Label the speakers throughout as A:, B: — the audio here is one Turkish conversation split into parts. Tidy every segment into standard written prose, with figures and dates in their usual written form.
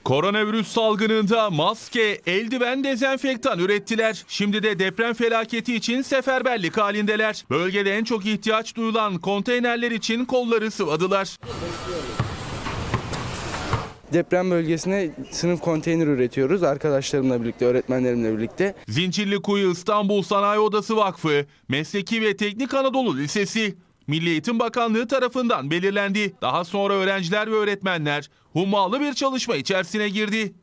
A: Koronavirüs salgınında maske, eldiven, dezenfektan ürettiler. Şimdi de deprem felaketi için seferberlik halindeler. Bölgede en çok ihtiyaç duyulan konteynerler için kolları sıvadılar.
B: Deprem bölgesine sınıf konteyner üretiyoruz arkadaşlarımla birlikte, öğretmenlerimle birlikte.
A: Zincirlikuyu İstanbul Sanayi Odası Vakfı, Mesleki ve Teknik Anadolu Lisesi, Milli Eğitim Bakanlığı tarafından belirlendi. Daha sonra öğrenciler ve öğretmenler hummalı bir çalışma içerisine girdi.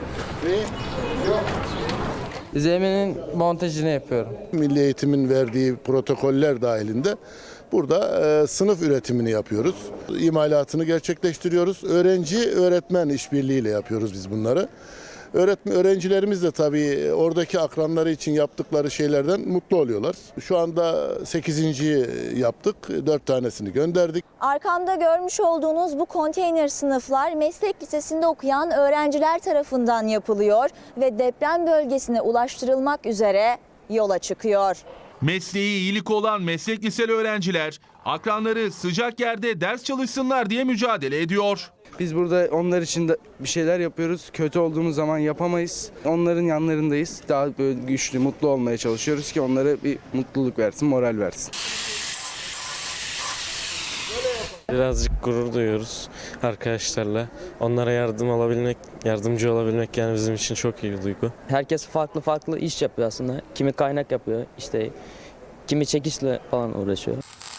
C: Zeminin montajını yapıyorum.
D: Milli Eğitim'in verdiği protokoller dahilinde burada sınıf üretimini yapıyoruz. İmalatını gerçekleştiriyoruz. Öğrenci-öğretmen işbirliğiyle yapıyoruz biz bunları. Öğrencilerimiz de tabii oradaki akranları için yaptıkları şeylerden mutlu oluyorlar. Şu anda 8.'yi yaptık, 4 tanesini gönderdik.
E: Arkamda görmüş olduğunuz bu konteyner sınıflar meslek lisesinde okuyan öğrenciler tarafından yapılıyor ve deprem bölgesine ulaştırılmak üzere yola çıkıyor.
A: Mesleği iyilik olan meslek liseli öğrenciler akranları sıcak yerde ders çalışsınlar diye mücadele ediyor.
B: Biz burada onlar için de bir şeyler yapıyoruz. Kötü olduğumuz zaman yapamayız. Onların yanlarındayız. Daha böyle güçlü, mutlu olmaya çalışıyoruz ki onlara bir mutluluk versin, moral versin.
F: Birazcık gurur duyuyoruz arkadaşlarla. Onlara yardımcı olabilmek yani bizim için çok iyi bir duygu.
C: Herkes farklı iş yapıyor aslında. Kimi kaynak yapıyor, işte kimi çekişle falan uğraşıyor.